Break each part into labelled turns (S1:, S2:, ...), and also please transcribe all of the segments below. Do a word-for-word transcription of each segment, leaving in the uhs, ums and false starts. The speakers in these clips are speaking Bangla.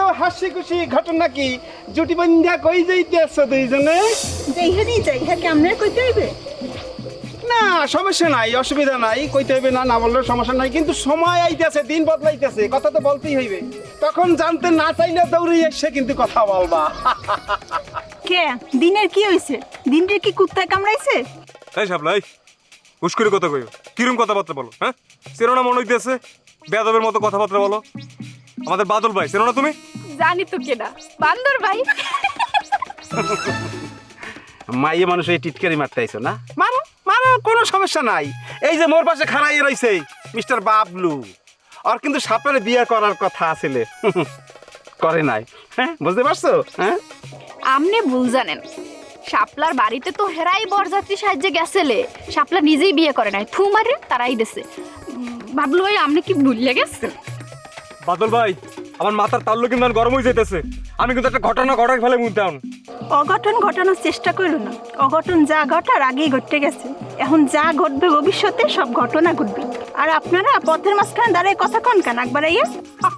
S1: হাসি খুশি ঘটনা কি জুটি বন্ধা কই যাইতেছ দুইজনে?
S2: যেইখানেই যাই হ্যাঁ কেমনে কইতে হইবে?
S1: না সমস্যা নাই, অসুবিধা নাই, কইতে হইবে না না বললে সমস্যা নাই, কিন্তু সময় আইতেছে, দিন বদলাইতেছে, কথা তো বলতেই হইবে। তখন জানতে না চাইলে দৌড়ে এসে কিন্তু কথা বলবা।
S2: কে দিনের কি হইছে? দিনের কি কুত্তায় কামড়াইছে?
S3: এই সাপলাই উস্কুরি কথা কইও, কিরম কথাবার্তা বলো? হ্যাঁ চেনো না মনে হইতেছে, বেয়াদবের মতো কথাবার্তা বলো। আমাদের বাদল ভাই চেনো না তুমি?
S4: জানি তো কেনা বান্দর ভাই।
S1: মাইয়ে মানুষ এই টিটকারি মারতে আইছো না? মারো মারো, কোনো সমস্যা নাই। এই যে মোর পাশে খাড়াই রইছে মিস্টার বাবলু, আর কিন্তু সাপের বিয়ে করার কথা আছিল, করে নাই। হ্যাঁ বুঝতে পারছো? হ্যাঁ
S4: আমনে ভুল জানেন, শাপলার বাড়িতে তো হেরাই বরযাত্রী সাহায্যে গেছেলে, শাপলা নিজেই বিয়ে করে নাই, থু মারে তারাই দেছে। ভাবলো ভাই আপনি কি ভুলে গেছেন?
S3: বাদল ভাই আমার মাথার তাল্লু কিন্তু গরম হয়ে যাইতেছে, আমি কিন্তু একটা ঘটনা ঘটাই ফেলে মুদাম।
S2: অঘটন ঘটানোর চেষ্টা করো না, অঘটন যা ঘটার আগেই ঘটে গেছে। এখন যা ঘটবে ভবিষ্যতে সব ঘটনা ঘটবে। আর আপনারা পথের মাঝখানে দাঁড়িয়ে কথা কন কেন একবার আইয়া?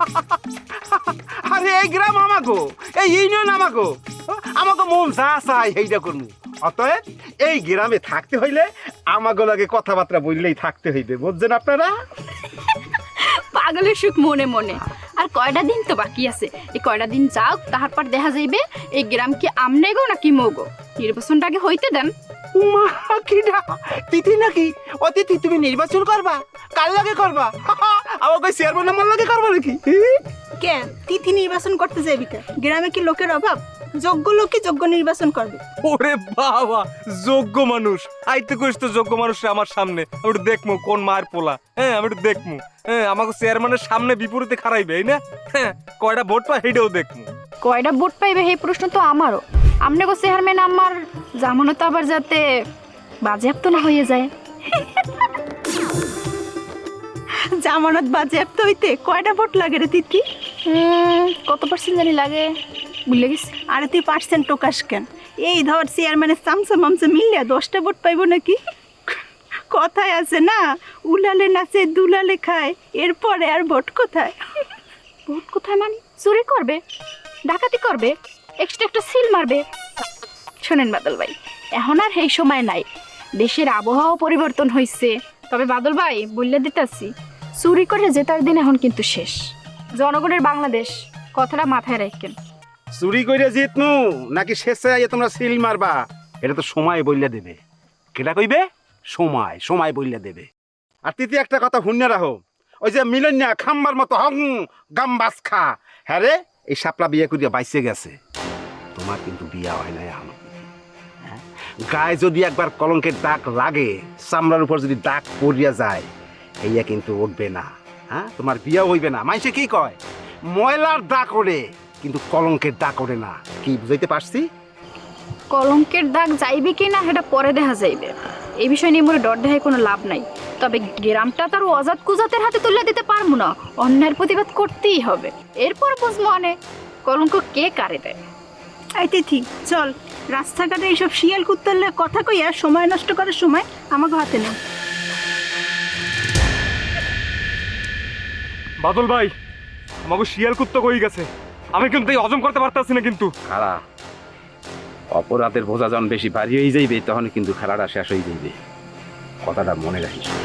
S1: আরে এই গ্রাম আমাগো, এই ইউনিয়ন আমাগো, আমাকে মন যা চাই এইটা করবো। অতএব এই গ্রামে থাকতে হইলে আমাগো লাগে কথাবার্তা বললেই থাকতে হইবে, বুঝছেন আপনারা?
S4: পাগলের সুখ মনে মনে। আর কয়টা দিন তো বাকি আছে, এই কয়টা দিন যাও, তাহার পর দেখা যাইবে এই গ্রাম কি আমনে গো নাকি মগো। নির্বাচনটা আগে হইতে দেন।
S1: উমা কিডা তিথি নাকি? অতিথি তুমি নির্বাচন করবা? কার লাগে করবা? আমাকে চেয়ারম্যান আমার লাগে করবা নাকি?
S2: কে তিথি নির্বাচন করতে যাইবি কে? গ্রামে কি লোকের অভাব? যোগ্য লোকই যোগ্য নির্বাচন করবে।
S3: ওরে বাবা, যোগ্য মানুষ আইতে কইস তো, যোগ্য মানুষ আমার সামনে আমি একটু দেখমু কোন মায়ের পোলা। হ্যাঁ আমি একটু দেখমু, হ্যাঁ আমাকে চেয়ারম্যানের সামনে বিপরীতে খারাইবে, এই না? হ্যাঁ কয়টা ভোট পাই হেডেও দেখমু।
S4: কয়টা ভোট পাইবে এই প্রশ্ন তো আমারও। আমনে গো চেয়ারম্যান আমার জামানত আবার যাতে বাজেয়াপ্ত না হয়ে যায়।
S2: জামানত বাজেয়াপ্ত হইতে কয়টা ভোট লাগে রে তিথি?
S4: হুম, কত পার্সেন্ট জানি লাগে, ভুলে গেছি।
S2: আরে তুই পার্সেন্ট টোকাস কেন? এই ধর চেয়ারম্যানের চামচা মামচা মিললে দশটা ভোট পাইব নাকি? কথায় আছে না, উলালে নাচে দুলালে খায়, এরপরে আর ভোট কোথায়?
S4: ভোট কোথায় মানে? চুরি করবে, ডাকাতি করবে, এক্সট্রা একটা সিল মারবে। শোনেন বাদল ভাই, এখন আর এই সময় নাই, দেশের আবহাওয়া পরিবর্তন হয়েছে। তবে বাদল ভাই বললে দিতেছি, চুরি করে জেতার দিন এখন কিন্তু শেষ। জনগণের বাংলাদেশ, কথাটা মাথায় রাখেন।
S1: চুরি কইরা জিতনু নাকি শেষে আইয়া তোমরা সিল মারবা, এটা তো সময় বইলা দেবে। কেটা কইবে? সময়, সময় বইলা দেবে। আর তৃতীয় একটা কথা হুন্যা রাখো, ওই যে মিলন্যা খাম্বার মতো হং গাম্বাস খা, হ্যাঁ রে এই সাপলা বিয়ে করিয়া বাইসে গেছে, তোমার কিন্তু বিয়া হয় নাই এখন। হ্যাঁ? গায়ে যদি একবার কলঙ্কের দাগ লাগে, চামড়ার উপর যদি দাগ পড়িয়া যায়, এইয়া কিন্তু উঠবে না। হ্যাঁ তোমার বিয়া হইবে না। মানুষে কি কয়? ময়লার দাগ ওড়ে কিন্তু কলঙ্কের দাগ ওড়ে না। কি বুঝাইতে পারছি?
S4: কলঙ্কের দাগ যাইবে কি না সেটা পরে দেখা যাইবে, এই বিষয় নিয়ে মোরে ডর দেখায় কোনো লাভ নাই। তবে গ্রামটা তার অজাত কুজাতের হাতে তুলে দিতে পারবো না, অন্যায়ের প্রতিবাদ করতেই হবে। এরপর বুঝবো মানে কলঙ্ক কে কারে দেয়।
S2: এই তিথি চল, রাস্তাঘাটে এইসব শিয়াল কুত্তালে কথা কইয়া সময় নষ্ট করার সময় আমাকে হাতে নাও।
S3: বাদল ভাই আমাকে শিয়াল কুত্তা কই গেছে, আমি কিন্তু এই হজম করতে পারতাছি না কিন্তু।
S1: খারা অপরাধের বোঝা যখন বেশি ভারী হয়ে যাইবে, তখন কিন্তু খেলাটা শেষ হয়ে যাইবে, কথাটা মনে রাখিস।